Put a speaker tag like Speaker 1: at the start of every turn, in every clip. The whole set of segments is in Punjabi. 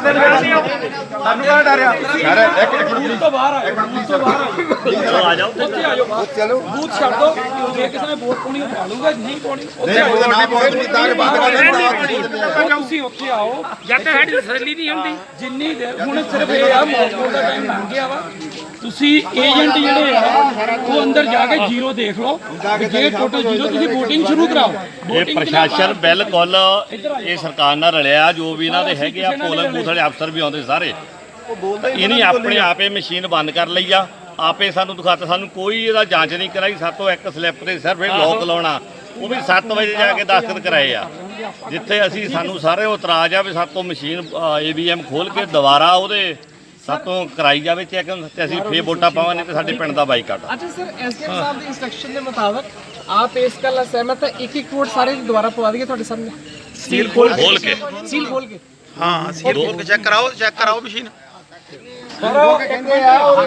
Speaker 1: ਸਾਨੂੰ ਕਾ ਡਰਿਆ ਯਾਰ ਇੱਕ ਮਿੰਟ ਤੋਂ ਬਾਹਰ ਆ ਜਾਓ ਉੱਥੇ ਆ ਜਾਓ ਚਲੋ ਬੂਥ ਛੱਡ ਦੋ ਜੇ ਕਿਸੇ ਨੇ ਵੋਟ ਪਾਉਣੀ ਪਾ ਲੂਗਾ ਨਹੀਂ ਪਾਉਣੀ ਉੱਥੇ ਨਾ ਪਾਉਣੀ ਤਾਂ ਕਿ ਬੰਦ ਕਰ ਦੇਣਾ ਤੁਸੀਂ ਉੱਥੇ ਆਓ ਜਦ ਤੱਕ ਸਾਡੀ ਤਸੱਲੀ ਨਹੀਂ ਹੁੰਦੀ ਜਿੰਨੀ ਦੇਰ ਹੁਣ ਸਿਰਫ ਇਹ ਆ ਮੌਕਾ ਦਾ ਟਾਈਮ ਲੰਘ ਗਿਆ ਵਾ ਤੁਸੀਂ ਏਜੰਟ ਜਿਹੜੇ ਆ ਉਹ ਅੰਦਰ ਜਾ ਕੇ ਜ਼ੀਰੋ ਦੇਖ ਲਓ ਜੇ ਟੋਟਲ ਜ਼ੀਰੋ ਤੁਸੀਂ VOTING ਸ਼ੁਰੂ ਕਰਾਓ
Speaker 2: ਇਹ ਪ੍ਰਸ਼ਾਸਨ ਬਿਲਕੁਲ ਇਹ ਸਰਕਾਰ ਨਾਲ ਰਲਿਆ ਜੋ ਵੀ ਇਹਨਾਂ ਦੇ ਹੈਗੇ ਆ ਪੋਲਿੰਗ ਬੂਥ ਵਾਲੇ ਅਫਸਰ ਵੀ ਆਉਂਦੇ ਸਾਰੇ ਇਹਨੇ ਆਪਣੇ ਆਪੇ ਮਸ਼ੀਨ ਬੰਦ ਕਰ ਲਈ ਆ ਆਪੇ ਸਾਨੂੰ ਦਿਖਾਤਾ ਸਾਨੂੰ ਕੋਈ ਇਹਦਾ ਜਾਂਚ ਨਹੀਂ ਕਰਾਈ ਸਾਤੋਂ ਇੱਕ ਸਲਿੱਪ ਤੇ ਸਿਰਫ ਇਹ ਲੋਕ ਲਾਉਣਾ ਉਹ ਵੀ 7 ਵਜੇ ਜਾ ਕੇ ਦਸਤਖਤ ਕਰਾਏ ਆ ਜਿੱਥੇ ਅਸੀਂ ਸਾਨੂੰ ਸਾਰੇ ਇਤਰਾਜ਼ ਆ ਵੀ ਸਾਤੋਂ ਮਸ਼ੀਨ AVM ਖੋਲ ਕੇ ਦੁਬਾਰਾ ਉਹਦੇ ਸਾਤੋਂ ਕਰਾਈ ਜਾਵੇ ਚੈੱਕ ਤੇ ਅਸੀਂ ਫੇਰ ਵੋਟਾਂ ਪਾਵਾਂਗੇ ਤੇ ਸਾਡੇ ਪਿੰਡ ਦਾ ਬਾਈਕਾਟ।
Speaker 3: अच्छा सर SDM साहब के इंस्ट्रक्शन के मुताबिक आप इस गल सहमत है एक वोट सारे दोबारा पवा दिए ਤੁਹਾਡੇ ਸਾਹਮਣੇ
Speaker 2: सील खोल के
Speaker 3: सील खोल के
Speaker 1: ਹਾਂ ਸੀਲ ਖੋਲ ਕੇ ਚੈੱਕ ਕਰਾਓ ਮਸ਼ੀਨ
Speaker 3: ਕਹਿੰਦੇ ਆ ਉਹ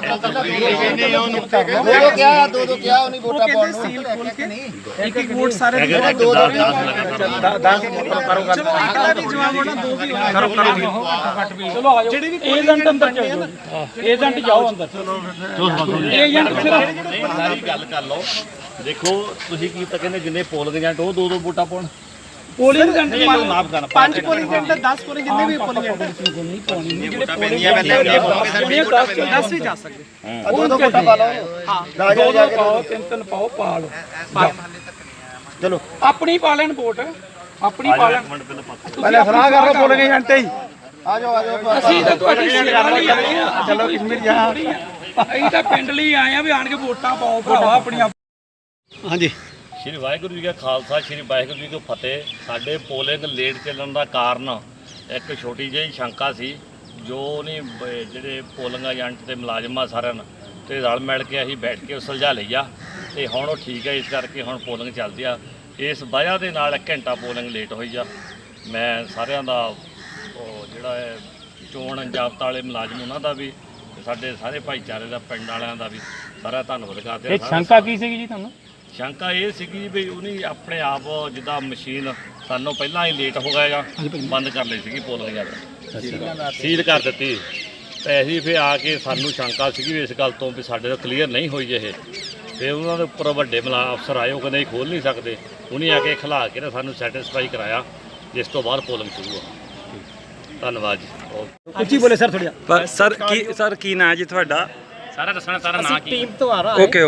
Speaker 3: ਦੋ ਕਿਹਾ ਉਹਨੇ ਵੋਟਾਂ ਪਾਉਣ ਨੂੰ ਸੀਲ ਖੋਲ ਕੇ ਇੱਕ ਵੋਟ ਸਾਰੇ ਦੋ ਕਰੋ ਗੱਲ ਚਲੋ ਇੱਕ ਦਾ ਵੀ ਜਵਾਬ ਹੋਣਾ ਦੋ ਵੀ ਕਰੋ
Speaker 1: ਚਲੋ ਆ ਜਾਓ ਏਜੰਟ ਅੰਦਰ ਜਾਓ ਏਜੰਟ ਜਾਓ ਅੰਦਰ ਏਜੰਟ ਸਿਰਫ
Speaker 2: ਸਾਰੀ ਗੱਲ ਕਰ ਲਓ ਦੇਖੋ ਤੁਸੀਂ ਕੀ ਤਾਂ ਕਹਿੰਦੇ ਜਿੰਨੇ ਪੋਲਿੰਗ ਏਜੰਟ ਉਹ ਦੋ ਵੋਟਾਂ ਪਾਉਣ
Speaker 3: ਪੋਲਿੰਗ ਏਜੰਟ ਮਾਫ ਕਰਨਾ 5 ਪੋਲਿੰਗ ਏਜੰਟ 10 ਪੋਲਿੰਗ ਜਿੰਨੇ ਵੀ ਪੋਲਿੰਗ ਏਜੰਟ ਨਹੀਂ ਪਾਉਣੀ ਜਿਹੜੇ ਪੋਲਿੰਗ 10 ਵੀ ਜਾ ਸਕਦੇ
Speaker 1: ਦੋ ਵੋਟਾਂ ਪਾ ਲਓ
Speaker 3: ਹਾਂ
Speaker 1: ਦੋ ਪਾਓ ਤਿੰਨ ਪਾਓ ਪਾ ਲਓ ਚਲੋ ਆਪਣੀ ਪਾ ਲੈਣ ਵੋਟ ਆਪਣੀ ਪਾ ਲੈਣ ਪਹਿਲਾਂ ਸਲਾਹ ਕਰ ਲਓ ਪੋਲਿੰਗ ਏਜੰਟ ਹੀ ਆ ਜਾਓ ਅਸੀਂ ਤਾਂ ਤੁਹਾਡੀ ਸੇਵਾ ਲਈ ਆਏ ਆ ਚਲੋ ਕਿਸਮਤ ਜਾ ਅਸੀਂ ਤਾਂ ਪਿੰਡ ਲਈ ਆਏ ਆ ਵੀ ਆਣ ਕੇ ਵੋਟਾਂ ਪਾਓ ਭਰਾਵਾ ਆਪਣੀਆਂ ਹਾਂਜੀ
Speaker 2: ਸ਼੍ਰੀ ਵਾਹਿਗੁਰੂ ਜੀ ਕਾ ਖਾਲਸਾ ਸ਼੍ਰੀ ਵਾਹਿਗੁਰੂ ਜੀ ਕੀ ਫਤਿਹ। ਸਾਡੇ ਪੋਲਿੰਗ ਲੇਟ ਚੱਲਣ ਦਾ ਕਾਰਨ ਇੱਕ ਛੋਟੀ ਜਿਹੀ ਸ਼ੰਕਾ ਸੀ ਜੋ ਨਹੀਂ ਜਿਹੜੇ ਪੋਲਿੰਗ ਏਜੰਟ ਤੇ ਮੁਲਾਜ਼ਮਾਂ ਸਾਰਿਆਂ ਨੂੰ ਤੇ ਰਲ ਮਿਲ ਕੇ ਅਸੀਂ ਬੈਠ ਕੇ ਸੁਲਝਾ ਲਈ ਆ ਤੇ ਹੁਣ ਉਹ ਠੀਕ ਹੈ। ਇਸ ਕਰਕੇ ਹੁਣ ਪੋਲਿੰਗ ਚੱਲਦੀ ਆ ਇਸ ਵਜ੍ਹਾ ਦੇ ਨਾਲ 1 ਘੰਟਾ ਪੋਲਿੰਗ ਲੇਟ ਹੋਈ ਆ। ਮੈਂ ਸਾਰਿਆਂ ਦਾ ਉਹ ਜਿਹੜਾ ਹੈ ਚੋਣ ਜਾਬਤਾ ਵਾਲੇ ਮੁਲਾਜ਼ਮ ਉਹਨਾਂ ਦਾ ਵੀ ਤੇ ਸਾਡੇ ਸਾਰੇ ਭਾਈਚਾਰੇ ਦਾ ਪਿੰਡ ਵਾਲਿਆਂ ਦਾ ਵੀ ਸਾਰਾ ਧੰਨਵਾਦ ਕਰਦੇ ਹਾਂ।
Speaker 1: ਇਹ ਸ਼ੰਕਾ ਕੀ ਸੀਗੀ ਜੀ ਤੁਹਾਨੂੰ?
Speaker 2: ਸ਼ੰਕਾ ਇਹ ਸੀਗੀ ਵੀ ਉਹਨੇ ਆਪਣੇ ਆਪ ਜਿੱਦਾਂ ਮਸ਼ੀਨ ਸਾਨੂੰ ਪਹਿਲਾਂ ਹੀ ਲੇਟ ਹੋ ਗਿਆ ਬੰਦ ਕਰ ਲਈ ਸੀਗੀ ਪੋਲਿੰਗ ਯਾਰ ਸੀਲ ਕਰ ਦਿੱਤੀ ਤੇ ਅਸੀਂ ਫਿਰ ਆ ਕੇ ਸਾਨੂੰ ਸ਼ੰਕਾ ਸੀਗੀ ਵੀ ਇਸ ਗੱਲ ਤੋਂ ਵੀ ਸਾਡੇ ਤੋਂ ਕਲੀਅਰ ਨਹੀਂ ਹੋਈ ਇਹ ਫਿਰ ਉਹਨਾਂ ਦੇ ਉੱਪਰ ਵੱਡੇ ਅਫਸਰ ਆਏ ਉਹ ਕਹਿੰਦੇ ਖੋਲ ਨਹੀਂ ਸਕਦੇ ਉਹਨੇ ਆ ਕੇ ਖਿਲਾ ਕੇ ਸਾਨੂੰ ਸੈਟੀਸਫਾਈ ਕਰਾਇਆ ਜਿਸ ਤੋਂ ਬਾਅਦ ਪੋਲਿੰਗ ਸ਼ੁਰੂ ਹੋ। ਧੰਨਵਾਦ ਜੀ।
Speaker 1: ਉੱਚੀ ਬੋਲੇ ਸਰ ਥੋੜਾ
Speaker 4: ਸਰ ਕੀ ਨਾਂ ਜੀ ਤੁਹਾਡਾ?
Speaker 2: ਸਾਰਾ ਦੱਸਣਾ ਸਾਰਾ ਨਾਂ ਕੀ
Speaker 3: ਟੀਮ ਤੋਂ ਆ ਰਹਾ
Speaker 4: ਓਕੇ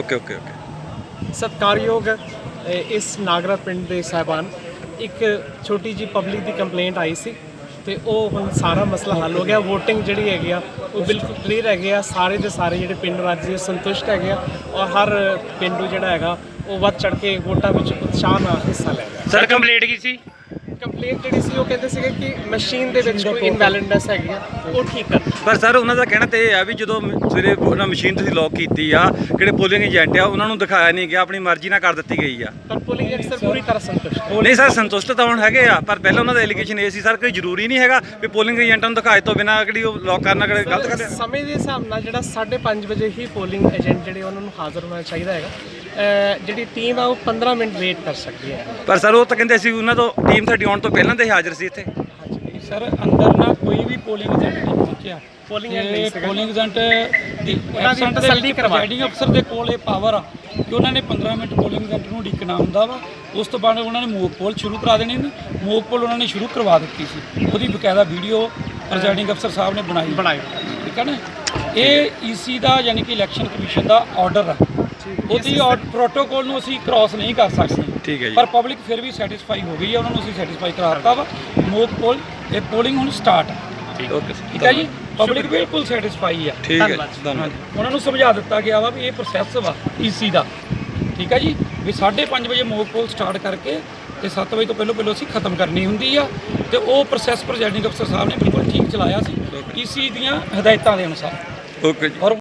Speaker 3: ਸਤਿਕਾਰਯੋਗ ਇਸ ਨਾਗਰਾ ਪਿੰਡ ਦੇ ਸਾਹਿਬਾਨ ਇੱਕ ਛੋਟੀ ਜੀ ਪਬਲਿਕ ਦੀ ਕੰਪਲੇਂਟ ਆਈ ਸੀ ਤੇ ਉਹ ਹੁਣ ਸਾਰਾ ਮਸਲਾ ਹੱਲ ਹੋ ਗਿਆ। VOTING ਜਿਹੜੀ ਹੈਗੀ ਆ ਉਹ ਬਿਲਕੁਲ ਕਲੀਅਰ ਹੈਗੇ ਆ। ਸਾਰੇ ਦੇ ਸਾਰੇ ਜਿਹੜੇ ਪਿੰਡ ਵਾਸੀ ਸੰਤੁਸ਼ਟ ਹੈਗੇ ਆ ਔਰ ਹਰ ਪਿੰਡੂ ਜਿਹੜਾ ਹੈਗਾ ਉਹ ਵੱਧ ਚੜ ਕੇ ਵੋਟਾਂ ਵਿੱਚ ਉਤਸ਼ਾਹ ਨਾਲ ਹਿੱਸਾ ਲੈ ਰਿਹਾ।
Speaker 4: ਸਰ ਕੰਪਲੀਟ ਕੀ ਸੀ?
Speaker 3: ਕੰਪਲੇਂਟ ਜਿਹੜੀ ਸੀ ਉਹ ਕਹਿੰਦੇ ਸੀਗੇ ਕਿ ਮਸ਼ੀਨ ਦੇ ਵਿੱਚ ਕੋਈ ਇਨਵੈਲਿਡਨੈਸ ਹੈਗੀ ਆ ਉਹ ਠੀਕ ਕਰਨੀ।
Speaker 4: ਪਰ ਸਰ ਉਹਨਾਂ ਦਾ ਕਹਿਣਾ ਤੇ ਇਹ ਆ ਵੀ ਜਦੋਂ ਸਵੇਰੇ ਉਹਨਾਂ ਮਸ਼ੀਨ ਤੁਸੀਂ ਲੌਕ ਕੀਤੀ ਆ ਜਿਹੜੇ ਪੋਲਿੰਗ ਏਜੰਟ ਆ ਉਹਨਾਂ ਨੂੰ ਦਿਖਾਇਆ ਨਹੀਂ ਗਿਆ ਆਪਣੀ ਮਰਜ਼ੀ ਨਾਲ ਕਰ ਦਿੱਤੀ ਗਈ ਆ।
Speaker 3: ਪਰ ਪੋਲਿੰਗ ਏਜੰਟ ਪੂਰੀ ਤਰ੍ਹਾਂ ਸੰਤੁਸ਼ਟ
Speaker 4: ਨਹੀਂ ਸਰ ਸੰਤੁਸ਼ਟ ਤਾਂ ਹੁਣ ਹੈਗੇ ਆ ਪਰ ਪਹਿਲਾਂ ਉਹਨਾਂ ਦਾ ਐਲੀਗੇਸ਼ਨ ਇਹ ਸੀ ਸਰ ਕੋਈ ਜ਼ਰੂਰੀ ਨਹੀਂ ਹੈਗਾ ਵੀ ਪੋਲਿੰਗ ਏਜੰਟਾਂ ਨੂੰ ਦਿਖਾਏ ਤੋਂ ਬਿਨਾਂ ਕਿਹੜੀ ਉਹ ਲੌਕ ਕਰਨਾ ਕਿਹੜੇ ਗਲਤ ਕਰਦੇ।
Speaker 3: ਸਮੇਂ ਦੇ ਹਿਸਾਬ ਨਾਲ ਜਿਹੜਾ 5:30 ਵਜੇ ਹੀ ਪੋਲਿੰਗ ਏਜੰਟ ਜਿਹੜੇ ਉਹਨਾਂ ਨੂੰ ਹਾਜ਼ਰ ਹੋਣਾ ਚਾਹੀਦਾ ਹੈਗਾ। ਜਿਹੜੀ ਟੀਮ ਆ ਉਹ 15 ਮਿੰਟ ਵੇਟ ਕਰ ਸਕਦੀ ਹੈ।
Speaker 4: ਪਰ ਸਰ ਉਹ ਤਾਂ ਕਹਿੰਦੇ ਸੀ ਉਹਨਾਂ ਤੋਂ ਟੀਮ ਸਾਡੀ ਆਉਣ ਤੋਂ ਪਹਿਲਾਂ ਤੇ ਹਾਜ਼ਰ ਸੀ ਇੱਥੇ।
Speaker 1: ਸਰ ਅੰਦਰ ਨਾ ਕੋਈ ਵੀ ਪੋਲਿੰਗ ਏਜੰਟ ਨਹੀਂ ਪਹੁੰਚਿਆ।
Speaker 3: ਪੋਲਿੰਗ
Speaker 1: ਏਜੰਟ ਦੀ
Speaker 3: ਉਹਨਾਂ ਦੀ ਤਸੱਲੀ ਕਰਵਾ
Speaker 1: ਪ੍ਰੈਜ਼ਾਈਡਿੰਗ ਅਫਸਰ ਦੇ ਕੋਲ ਇਹ ਪਾਵਰ ਆ ਕਿ ਉਹਨਾਂ ਨੇ 15 ਮਿੰਟ ਪੋਲਿੰਗ ਏਜੰਟ ਨੂੰ ਉਡੀਕਣਾ ਹੁੰਦਾ ਵਾ। ਉਸ ਤੋਂ ਬਾਅਦ ਉਹਨਾਂ ਨੇ ਮੋਕ ਪੋਲ ਸ਼ੁਰੂ ਕਰਾ ਦੇਣੀ ਨੇ। ਮੋਕ ਪੋਲ ਉਹਨਾਂ ਨੇ ਸ਼ੁਰੂ ਕਰਵਾ ਦਿੱਤੀ ਸੀ ਉਹਦੀ ਬਕਾਇਦਾ ਵੀਡੀਓ ਪ੍ਰੈਜ਼ਾਈਡਿੰਗ ਅਫਸਰ ਸਾਹਿਬ ਨੇ ਬਣਾਈ ਠੀਕ ਹੈ ਨਾ। ਇਹ EC ਦਾ ਯਾਨੀ ਕਿ ਇਲੈਕਸ਼ਨ ਕਮਿਸ਼ਨ ਦਾ ਆਰਡਰ ਆ। ਉਹਦੀ ਪ੍ਰੋਟੋਕੋਲ ਨੂੰ ਅਸੀਂ ਕ੍ਰਾਸ ਨਹੀਂ ਕਰ ਸਕਦੇ
Speaker 4: ਠੀਕ ਹੈ ਜੀ।
Speaker 1: ਪਰ ਪਬਲਿਕ ਫਿਰ ਵੀ ਸੈਟੀਸਫਾਈ ਹੋ ਗਈ ਹੈ ਉਹਨਾਂ ਨੂੰ ਅਸੀਂ ਸੈਟੀਸਫਾਈ ਕਰਾ ਦਿੱਤਾ ਵਾ। ਮੋਕ ਪੋਲ ਇਹ ਪੋਲਿੰਗ ਹੁਣ ਸਟਾਰਟ ਹੈ। ਠੀਕ ਹੈ ਜੀ ਪਬਲਿਕ ਬਿਲਕੁਲ ਸੈਟੀਸਫਾਈ ਆ।
Speaker 4: ਠੀਕ ਹੈ ਧੰਨਵਾਦ।
Speaker 1: ਉਹਨਾਂ ਨੂੰ ਸਮਝਾ ਦਿੱਤਾ ਗਿਆ ਵਾ ਵੀ ਇਹ ਪ੍ਰੋਸੈਸ ਵਾ EC ਦਾ ਠੀਕ ਹੈ ਜੀ ਵੀ 5:30 ਵਜੇ ਮੋਕ ਪੋਲ ਸਟਾਰਟ ਕਰਕੇ ਤੇ 7 ਵਜੇ ਤੋਂ ਪਹਿਲਾਂ ਅਸੀਂ ਖਤਮ ਕਰਨੀ ਹੁੰਦੀ ਆ ਤੇ ਉਹ ਪ੍ਰੋਸੈਸ ਪ੍ਰੈਜ਼ਾਈਡਿੰਗ ਅਫਸਰ ਸਾਹਿਬ ਨੇ ਬਿਲਕੁਲ ਠੀਕ ਚਲਾਇਆ ਸੀ EC ਦੀਆਂ ਹਦਾਇਤਾਂ ਦੇ ਅਨੁਸਾਰ।
Speaker 4: ਓਕੇ ਜੀ।
Speaker 1: ਔਰ